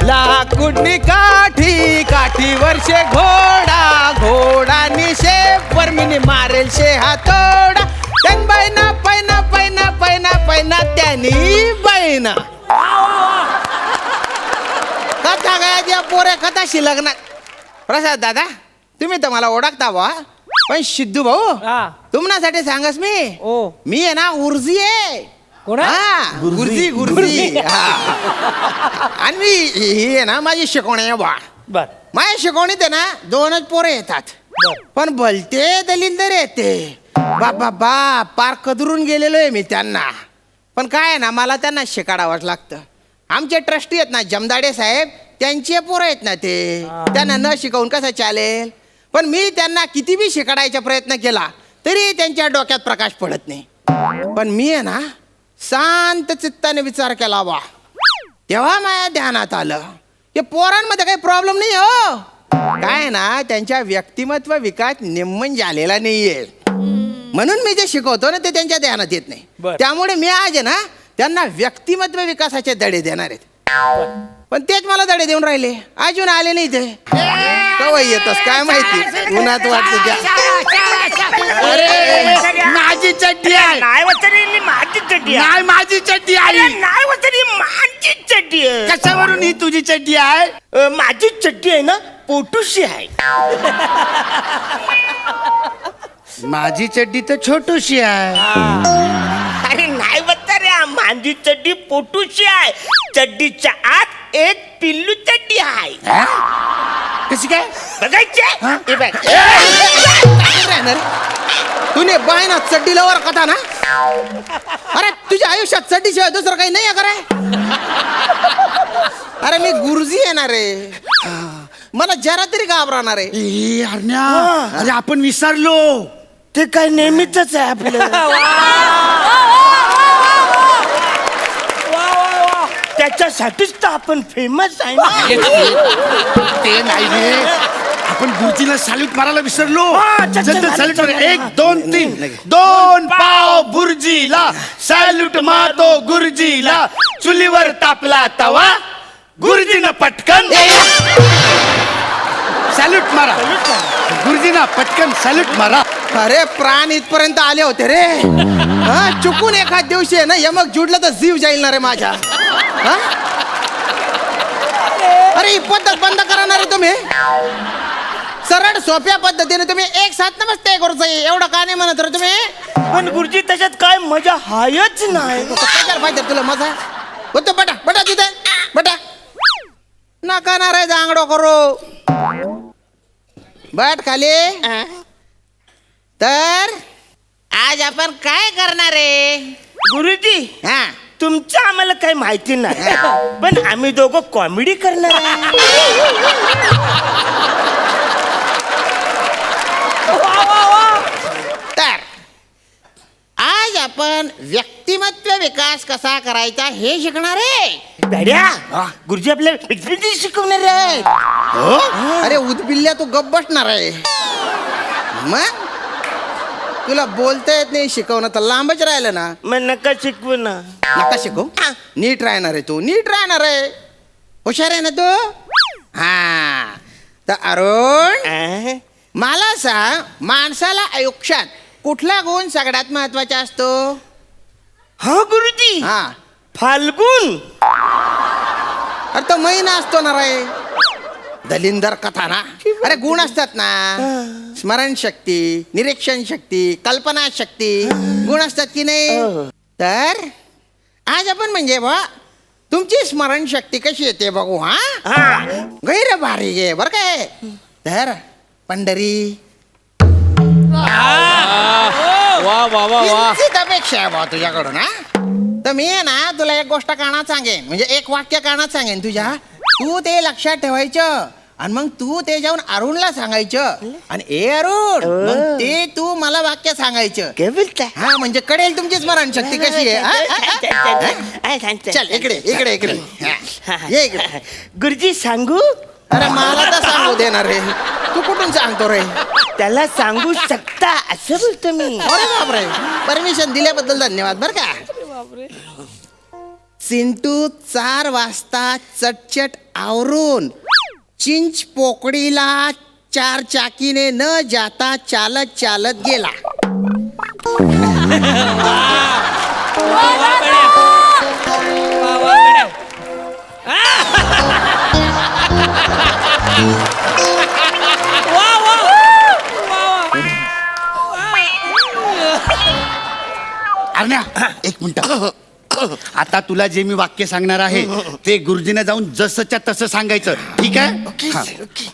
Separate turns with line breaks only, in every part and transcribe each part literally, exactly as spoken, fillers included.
लाकुडनी काठी काठी वर्षे घोडा घोडा शेवर मिनी मारेल शे हातोडा त्यान बैना पैना पैना पैना पैना त्यानी बैना. कथा गायच्या पोरे कथाशी लग्न. प्रसाद दादा तुम्ही तर मला ओळखता बा, पण सिद्धू भाऊ तुम्हासाठी सांगस मी
ओ
मी आहे ना उर्जी आहे.
कोण
हा गुरुजी गुरुजी. आणि मी ही आहे ना माझी शिकवणी आहे बा.
बर
माझ्या शिकवणीत आहे ना दोनच पोरे येतात, पण भलते दलिंदर येते बाबा बा पार कदरून गेलेलो आहे मी त्यांना. पण काय आहे ना मला त्यांना शिकाडावंच लागतं. आमचे ट्रस्टी आहेत ना जमदाडे साहेब त्यांचे पोरं आहेत ना ते, त्यांना न शिकवून कसं चालेल. पण मी त्यांना किती बी शिकाडायचा प्रयत्न केला तरी त्यांच्या डोक्यात प्रकाश पडत नाही. पण मी आहे ना शांत चित्ताने विचार केला बा, तेव्हा माझ्या ध्यानात आलं की पोरांमध्ये काही प्रॉब्लेम नाही हो. काय ना त्यांच्या व्यक्तिमत्व विकास निम्मन झालेला नाहीये, म्हणून मी जे शिकवतो ना ते त्यांच्या ध्यानात येत नाही. त्यामुळे मी आज आहे ना त्यांना व्यक्तिमत्व विकासाचे धडे देणार आहेत. पण तेच मला धडे देऊन राहिले, अजून आले नाही ते. कवा येतस काय माहिती, उन्हात वाटत त्या.
अरे माझी चड्डी आहे.
नाही वचनी माझी चड्डी आहे.
नाही माझी चड्डी आहे.
नाही वचनी माझी चड्डी आहे.
कशावरून ही तुझी चड्डी आहे?
अ, माझी चड्डी आहे ना पोटूशी आहे.
माझी चड्डी तर छोटूशी आहे.
अरे नाही बघता रे, माझी चड्डी पोटूशी आहे. चड्डीच्या आत एक पिल्लू चड्डी आहे.
कशी काय
बघायचे हे बघ.
तुने बाय ना चड्डीला वर कथा ना. अरे तुझ्या आयुष्यात चड्डीशिवाय दुसरं काही नाही आहे का रे? अरे मी गुरुजी येणार रे, मला जरा तरी घाबरणार आहे.
ए अरण्या, अरे आपण विसरलो.
ते काय नेहमीच आहे आपलं. त्याच्यासाठीच तर आपण फेमस आहे ना.
ते नाही रे, आपण गुरुजीला सॅल्यूट मारायला विसरलो.
चल, चल,
चल, सॅल्यूट
चल,
मार.
चल.
एक दोन तीन. दोन पाव गुरुजीला सॅल्यूट मारतो गुरुजीला. चुलीवर तापला तवा गुरुजीनं पटकन सॅल्यूट मारा. गुरुजीना पटकन सॅल्यूट मारा.
अरे प्राण इथपर्यंत आले होते रे. हा चुकून एखाद दिवशी आहे ना यमक जुडलं तर जीव जाईल ना रे माझ्या. हा? अरे ही पद्धत बंद करणार आहे तुम्ही. सरळ सोप्या पद्धतीने तुम्ही एक साथ नमस्ते करूच एवढं का नाही म्हणत रे तुम्ही.
पण गुरुजी त्याच्यात काय मजा हायच नाही.
कशाला पाहिजे तुला मजा. होतो बटा बटा तिथे बटा नका ना रे जांगडो करू. बट खाली. तर आज आपण काय करणार आहे
गुरुजी?
हा
तुमचं आम्हाला काही माहिती नाही, पण आम्ही दोघं कॉमेडी करणार आहे.
तर आज आपण व्यक्तिमत्व विकास कसा करायचा हे शिकणार आहे.
बड्या गुरुजी आपल्याला व्यक्तिमत्व शिकवणार आहे.
अरे उदबिल्ल्या तू गप बसणार आहे. मग तुला बोलता येत नाही, शिकवणं तर लांबच राहिलं ना.
मग नका शिकवू ना.
नका शिकव. नीट राहणार आहे तू, नीट राहणार आहे. हुशार आहे ना तू. हा तर अरुण मला सांग, माणसाला आयुष्यात कुठला गुण सगळ्यात महत्वाचा असतो?
हा गुरुजी,
हा
फाल्गुन.
अरे तो महिना असतो ना रे. दलिंदर कथा ना. अरे गुण असतात ना, स्मरणशक्ती, निरीक्षण शक्ती, कल्पना शक्ती, गुण असतात की नाही. तर आज आपण म्हणजे बा तुमची स्मरणशक्ती कशी येते बघू. हा गैर भारी गे बर काय. तर पंढरी
वा वा वा वा.
अपेक्षा आहे बा तुझ्याकडून. हा तर मी आहे ना तुला एक गोष्ट कानात सांगेन, म्हणजे एक वाक्य कानात सांगेन तुझ्या. तू ते लक्षात ठेवायचं आणि मग तू ते जाऊन अरुणला सांगायचं. आणि ए अरुण मग ते तू मला वाक्य सांगायचं.
काय बोलताय?
हा म्हणजे कळेल तुमची स्मरणशक्ती कशी आहे. चल इकडे इकडे इकडे ये इकडे.
गुरुजी सांगू?
अरे मला तर सांगू देणार रे, तू कुठून सांगतो रे.
त्याला सांगू शकता असं बोलतो मी.
अरे बापरे, परमिशन दिल्याबद्दल धन्यवाद बर का. चिंटू चार वाजता चटचट आवरून चिंच पोकळीला चार चाकीने न जाता चालत चालत गेला.
अरण्या एक मिनिट. आता तुला जे मी वाक्य सांगणार आहे ते गुरुजीने जाऊन जसंच्या तसं सांगायचं, ठीक आहे? हा.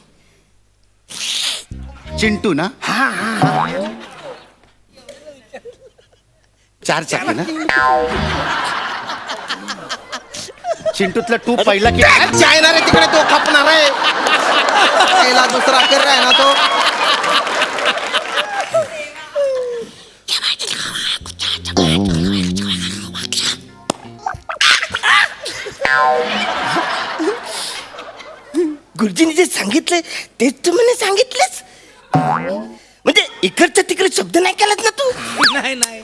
चिंटू ना? चार चाकी ना? चिंटूतला टू पहिला की
चायना रे तिकडे तो खपणार आहे. पहिला दुसरा कर आहे ना तो.
गुरुजीने जे सांगितलंय तेच तू मला सांगितलंच. म्हणजे इकडच्या तिकडे शब्द नाही केलात ना तू.
नाही नाही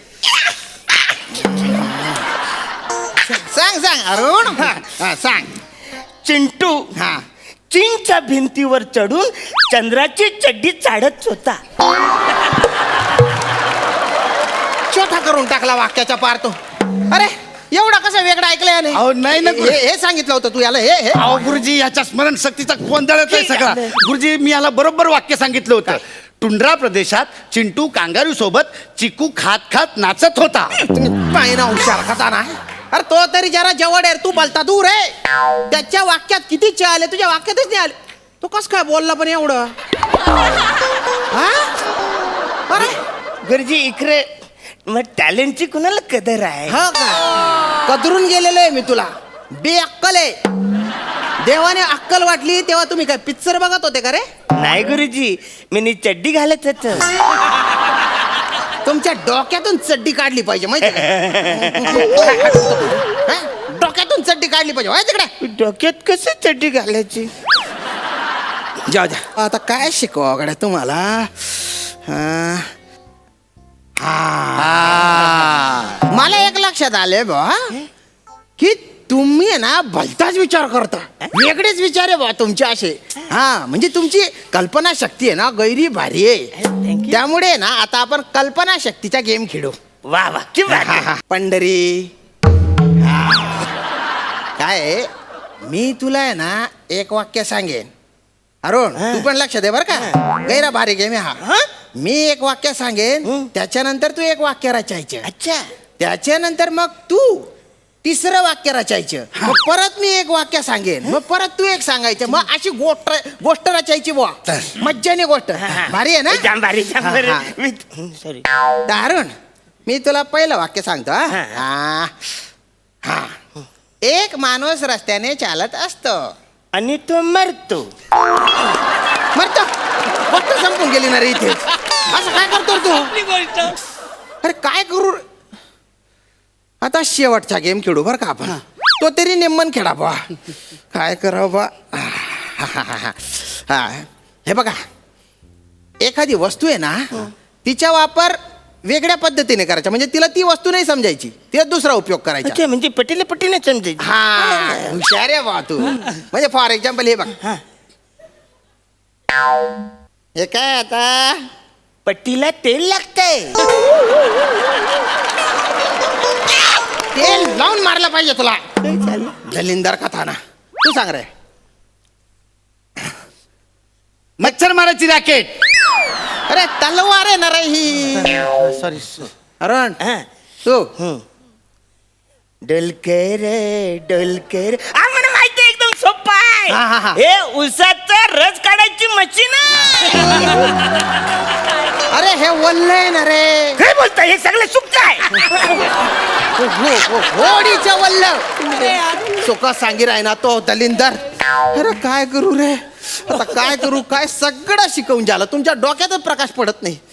सांग सांग अरुण. हा, हा, सांग.
चिंटू
हा
चीनच्या भिंतीवर चढून चंद्राची चड्डी चाडत होता.
छोटा करून टाकला वाक्याच्या पार तो. अरे एवढा कसा वेगळा ऐकलंय याने?
अहो, नाही ना, गुरु.
हे हे सांगितलं होतं तू याला हे हे
अहो गुरुजी, याच्या स्मरणशक्तीचा गोंधळच आहे सगळा. गुरुजी, मी याला बरोबर वाक्य सांगितलं होतं. टुंड्रा प्रदेशात चिंटू कांगारू सोबत चिकू खात खात नाचत होता.
पाहिना हुशार खाता ना. अरे तो तरी जरा जवळ आहे, तू बोलता दूर आहे. त्याच्या वाक्यात किती चे आले, तुझ्या वाक्यातच नाही आले. तो कस काय बोलला पण एवढं? हा? अरे
गुरुजी इकडे मग टॅलेंटची कुणाला कदर आहे?
हा का? कदरून गेलेलो आहे मी तुला. बेअक्कल आहे. देवाने अक्कल वाटली तेव्हा तुम्ही काय पिक्चर बघत होते का रे?
नाही गुरुजी, मी नी चड्डी घालत होत.
तुमच्या डोक्यातून चड्डी काढली पाहिजे माहिती डोक्यातून चड्डी काढली पाहिजे माहिती तिकडे.
डोक्यात कसं चड्डी घालायची?
जाऊ द्या. आता काय शिकवा गड्या तुम्हाला? हा. हा. मला एक लक्षात आले बा की तुम्ही आहे ना भलताच विचार करता. वेगळेच विचार आहे बा तुमचे असे. हा म्हणजे तुमची कल्पना शक्ती आहे ना गैरी भारी आहे. त्यामुळे ना आता आपण कल्पना शक्तीचा गेम खेळू.
वा वा कि
हा, हा. पंढरी हा. काय आहे, मी तुला आहे ना एक वाक्य सांगेन अरुण, तू पण लक्ष दे बर का. गैरा भारी गेम आहे हा. मी एक वाक्य सांगेन, त्याच्यानंतर तू एक वाक्य रचायचं.
अच्छा.
त्याच्यानंतर मग तू तिसरं वाक्य रचायचं. मग परत मी एक वाक्य सांगेन, मग परत तू एक सांगायचं. मग अशी गोष्ट गोष्ट रचायची बुवा. मज्जाने गोष्ट भारी आहे ना.
जाम भारी जाम
हा,
भारी.
हा.
मी- सॉरी.
तर अरुण, मी तुला पहिलं वाक्य सांगतो. हा?
हा.
हा. हा. एक माणूस रस्त्याने चालत असतो
आणि तो मरतो.
मरतो. गोष्ट संपून गेली ना रे इथे. असं काय करतो रे तू?
आपली गोष्ट.
अरे काय करू रे? आता शेवटचा गेम खेळू बरं का आपण. तो तरी नेमन खेळा बा. काय करावं बा. हा हे बघा, एखादी वस्तू आहे ना तिचा वापर वेगळ्या पद्धतीने करायचा. म्हणजे तिला ती वस्तू नाही समजायची, तिला दुसरा उपयोग करायचा.
अच्छा, म्हणजे पटीला पटीने समजायची.
हा हुशार आहे बा तू. म्हणजे फॉर एक्झाम्पल हे बघ, हे काय आता
पट्टीला तेल लागतंय.
तेल लावून मारलं पाहिजे तुला.
काय झालं?
दलिंदर कथा ना. तू सांग रे.
मच्छर मारायची रॅकेट.
अरे तलवार आहे ना रे ही.
सॉरी.
अरुण
हा.
तू
डोलकर डोलकर. आ, मला माहिती आहे, एकदम सोपा
हा, हा, हा.
आहे. हे उसाचा रस काढायची मशीन आहे.
अरे हे वल्ल आहे ना रे.
काय बोलताय? हे सगळं सुप्त आहे.
होडीचं वल्ल सुख सांगी राय ना तो दलिंदर. अरे काय करू रे आता, काय करू काय. सगळं शिकवून झालं, तुमच्या डोक्यातच प्रकाश पडत नाही.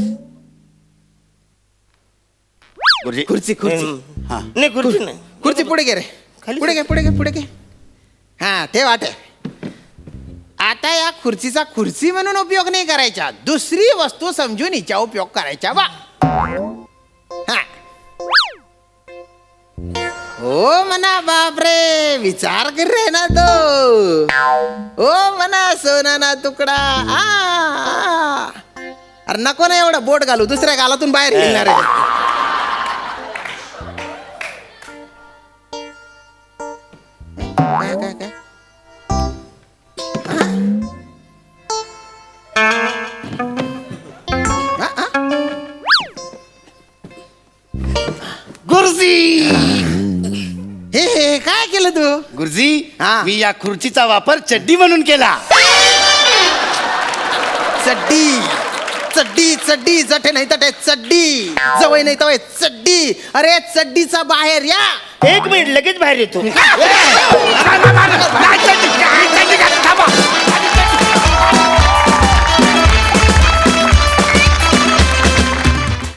गुरुजी,
खुर्ची खुर्ची
हा.
नाही खुर्ची नाही.
खुर्ची पुढे घे रे.
खाली
पुढे घे पुढे घे पुढे घे. हा ते वाटे. आता या खुर्चीचा खुर्ची म्हणून उपयोग नाही करायचा, दुसरी वस्तू समजून हिचा उपयोग करायचा. वा हा. हो ओ म्हणा बापरे विचार कर रे ना तो ओ म्हणा सोना ना तुकडा आ, आ. अरे नको ना एवढं बोट घालू दुसऱ्या गालातून बाहेर येणार आहे काय काय काय आ, आ?
गुरुजी
हे हे काय केलं तू
गुरुजी
हा.
मी या खुर्चीचा वापर चड्डी म्हणून केला.
चड्डी चड्डी चड्डी जटे नाही तटे चड्डी जवळ नाही तवय चड्डी अरे चड्डीचा बाहेर या
एक मिनिट लगेच बाहेर येतो
नाही, चड्डी, काय चड्डी, काय?